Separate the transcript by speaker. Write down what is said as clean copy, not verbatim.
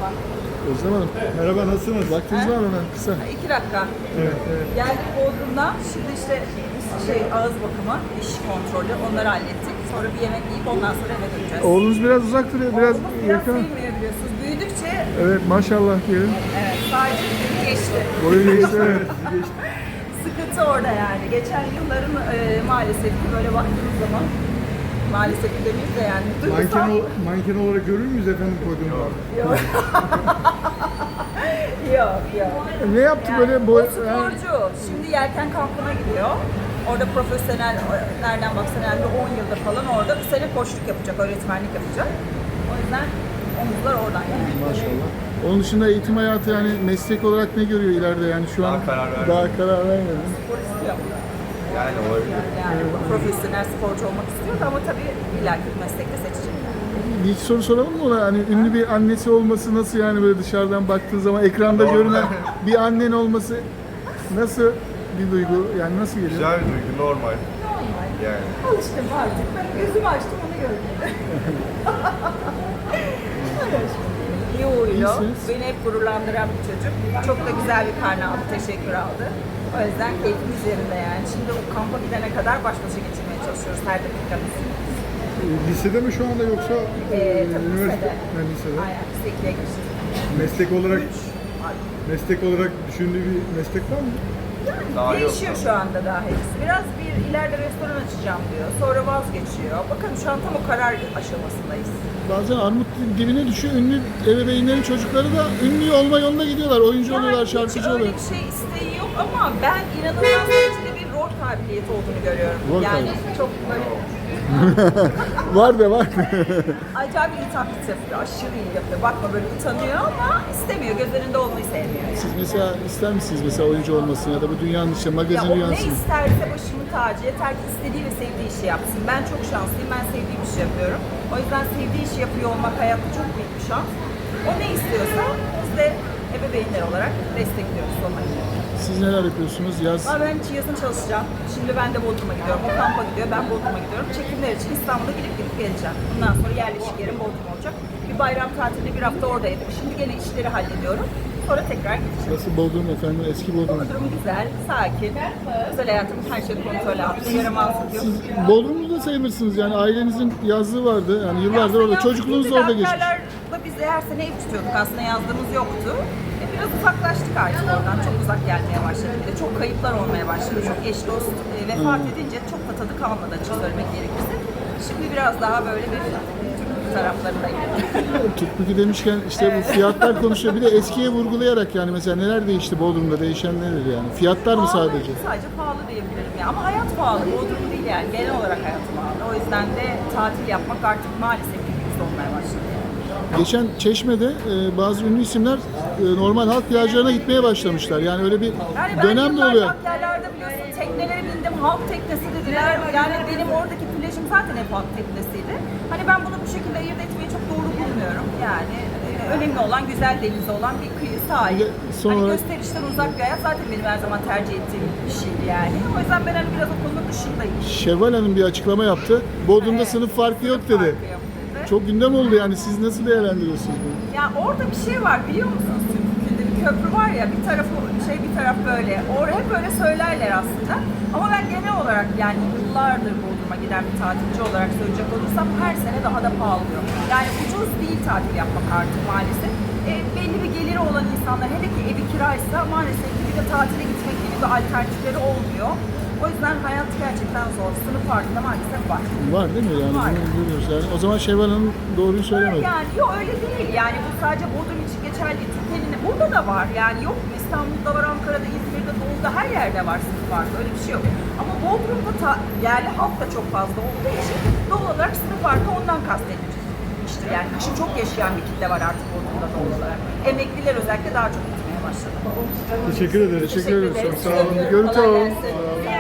Speaker 1: Merhaba.
Speaker 2: Özlem Hanım. Merhaba, nasılsınız? Vaktiniz var mı hemen kısa?
Speaker 1: 2 dakika.
Speaker 2: Evet, evet.
Speaker 1: Geldik Bodrum'dan. Şimdi işte ağız bakımı, diş kontrolü onları hallettik. Sonra bir yemek yiyip ondan sonra eve döneceğiz.
Speaker 2: Oğlunuz biraz uzak duruyor, biraz
Speaker 1: Oğlumuz biraz
Speaker 2: yakın.
Speaker 1: sevmiyor biliyorsunuz. Büyüdükçe
Speaker 2: Evet, maşallah diyelim.
Speaker 1: evet, sadece geçti.
Speaker 2: Boyu geçti, evet. Geçti.
Speaker 1: Sıkıntı orada yani. Geçen yılların maalesef ki böyle baktığımız zaman maalesef ki demeyeyim de yani.
Speaker 2: Manken olarak görür müyüz efendim koyduğumda?
Speaker 1: Yok. Yok, yok.
Speaker 2: Ne yaptı
Speaker 1: Yani
Speaker 2: böyle
Speaker 1: o
Speaker 2: boy...
Speaker 1: sporcu. Şimdi yelken kampına gidiyor. Orada profesyonel, nereden baksan herhalde 10 yıldır falan orada bir sene koçluk yapacak, öğretmenlik yapacak. O yüzden omuzlar oradan yani.
Speaker 2: Maşallah. Onun dışında eğitim hayatı yani meslek olarak ne görüyor ileride yani şu an? Daha karar vermedim.
Speaker 1: Spor istiyor.
Speaker 3: Yani olabilir.
Speaker 1: Yani profesyonel sporcu olmak istiyor ama tabii illaki bir meslekte seçecek.
Speaker 2: Bir iki soru soralım mı ona? Hani ünlü bir annesi olması nasıl yani böyle dışarıdan baktığın zaman ekranda görünen bir annen olması nasıl bir duygu? Yani nasıl geliyor?
Speaker 3: Güzel bir duygu, normal.
Speaker 1: Normal.
Speaker 3: Yani.
Speaker 1: Alıştım artık. Ben gözümü açtım onu gördüm. İyi uyuyor.
Speaker 2: İyisiniz.
Speaker 1: Beni hep gururlandıran bir çocuk. Çok da güzel bir karne aldı, teşekkür aldı. O yüzden keyfimiz yerinde yani. Şimdi o kampa gidene kadar baş başa geçirmeye çalışıyoruz her dakikamız.
Speaker 2: Lisede mi şu anda yoksa
Speaker 1: Tabii lisede.
Speaker 2: Lisede.
Speaker 1: Aynen, biz de ikiye geçtik.
Speaker 2: Meslek olarak düşündüğü bir meslek var mı?
Speaker 3: Daha yok.
Speaker 1: Değişiyor şu anda daha hepsi. Biraz bir ileride restoran açacağım diyor. Sonra vazgeçiyor. Bakın şu an tam o karar aşamasındayız.
Speaker 2: Bazen armut dibine düşüyor. Ünlü ebeveynlerin çocukları da ünlü olma yoluna gidiyorlar. Oyuncu oluyorlar, şarkıcı
Speaker 1: hiç öyle
Speaker 2: oluyorlar.
Speaker 1: bir şey isteği yok ama ben inanılmaz derecede bir rol kabiliyeti olduğunu görüyorum.
Speaker 2: Rol
Speaker 1: Yani
Speaker 2: kabiliyeti.
Speaker 1: çok böyle
Speaker 2: Var da var.
Speaker 1: acayip iyi taklit yapıyor. Aşırı iyi yapıyor. Bakma böyle utanıyor ama istemiyor. Göz önünde olmayı sevmiyor.
Speaker 2: Siz mesela ister misiniz mesela oyuncu olmasını ya da bu dünyanın işte
Speaker 1: Ya
Speaker 2: magazin
Speaker 1: o ne
Speaker 2: dünyasını?
Speaker 1: isterse başımın tacı. Yeter ki istediği ve sevdiği işi yapsın. Ben çok şanslıyım. Ben sevdiğim işi yapıyorum. O yüzden sevdiği işi yapıyor olmak hayatta çok büyük bir şans. O ne istiyorsa biz de ebeveynler olarak destekliyoruz sonuna kadar.
Speaker 2: Siz neler yapıyorsunuz? Yaz
Speaker 1: Ama ben yazın çalışacağım. Şimdi ben de Bodrum'a gidiyorum. O kampa gidiyor. Ben Bodrum'a gidiyorum. Çekimler için İstanbul'a gidip geleceğim. Bundan sonra yerleşik yerim Bodrum olacak. Bir bayram tatilinde bir hafta oradaydım. Şimdi gene işleri hallediyorum. Sonra tekrar gideceğim.
Speaker 2: nasıl Bodrum efendim? Eski Bodrum.
Speaker 1: Bodrum güzel, sakin. Özel hayatımın her şeyi kontrol altında. Yaramazlık yok.
Speaker 2: Siz Bodrum'da sayılırsınız yani ailenizin yazlığı vardı. Yani yıllardır orada. Çocukluğunuz da orada geçmiş.
Speaker 1: Ankara'da biz de her sene ev tutuyorduk. Aslında yazdığımız yoktu. Biraz uzaklaştık artık oradan. Çok uzak gelmeye başladı. Bir de çok kayıplar olmaya başladı. Çok eş dost vefat edince çok da tadı kalmadı açık söylemek gerekirse. Şimdi biraz daha böyle bir Türk taraflarındayım.
Speaker 2: Tutbuki demişken işte bu fiyatlar konuşuyor. Bir de eskiye vurgulayarak yani mesela neler değişti Bodrum'da? Değişen nedir yani? Fiyatlar mı sadece?
Speaker 1: Sadece pahalı diyebilirim ya. Ama hayat pahalı. Bodrum değil yani. Genel olarak hayat pahalı. O yüzden de tatil yapmak artık maalesef ki lüks olmaya başladı.
Speaker 2: Geçen Çeşme'de bazı ünlü isimler normal halk plajlarına gitmeye başlamışlar. Yani öyle bir
Speaker 1: Yani ben
Speaker 2: dönem de
Speaker 1: yıllarca
Speaker 2: oluyor.
Speaker 1: yerlerde biliyorsun teknelere bindim, halk teknesi dediler. Yani benim oradaki plajım zaten hep halk teknesiydi. Hani ben bunu bu şekilde ayırt etmeyi çok doğru bulmuyorum. Yani önemli olan güzel denizi olan bir kıyı sahil.
Speaker 2: Bir de son
Speaker 1: Hani
Speaker 2: olarak-
Speaker 1: gösterişten uzak bir hayat zaten benim her zaman tercih ettiğim bir şeydi yani. O yüzden ben hani biraz o konunun dışındayım.
Speaker 2: Şevval Hanım bir açıklama yaptı. Bodrum'da
Speaker 1: Evet.
Speaker 2: sınıf farkı yok dedi.
Speaker 1: Farkı yok dedi.
Speaker 2: Çok gündem oldu yani. Siz nasıl değerlendiriyorsunuz bunu?
Speaker 1: Ya orada bir şey var biliyor musunuz? Türkiye'de bir köprü var ya bir tarafı şey bir taraf böyle. Orada hep böyle söylerler aslında. Ama ben genel olarak yani yıllardır Bodrum'a giden bir tatilci olarak söyleyecek olursam her sene daha da pahalı oluyor. Yani ucuz değil tatil yapmak artık maalesef. Belli bir geliri olan insanlar hele ki evi kiraysa maalesef ki bir de tatile gitmek gibi bir alternatifleri olmuyor. O yüzden hayat gerçekten zor. Sınıf farkında maalesef var.
Speaker 2: Var değil mi? Yani
Speaker 1: Var.
Speaker 2: bunu görüyoruz. Yani o zaman Şevval Hanım doğruyu söylemedi.
Speaker 1: Yani yok öyle değil. Yani bu sadece Bodrum için geçerli. Türkiye'nin burada da var. Yani yok mu? İstanbul'da var, Ankara'da, İzmir'de, Doğu'da her yerde var sınıf farkı. Öyle bir şey yok. Ama Bodrum'da yerli halk da çok fazla olduğu için doğal olarak sınıf farkı ondan kastedilmiştir. Yani kışın çok yaşayan bir kitle var artık Bodrum'da doğal olarak. Emekliler özellikle daha çok gitmeye başladı.
Speaker 2: Teşekkür ederim. Teşekkür ederim.
Speaker 1: ederiz.
Speaker 2: Sağ olun. Bir görüntü
Speaker 1: Kolay
Speaker 2: alalım.
Speaker 1: gelsin.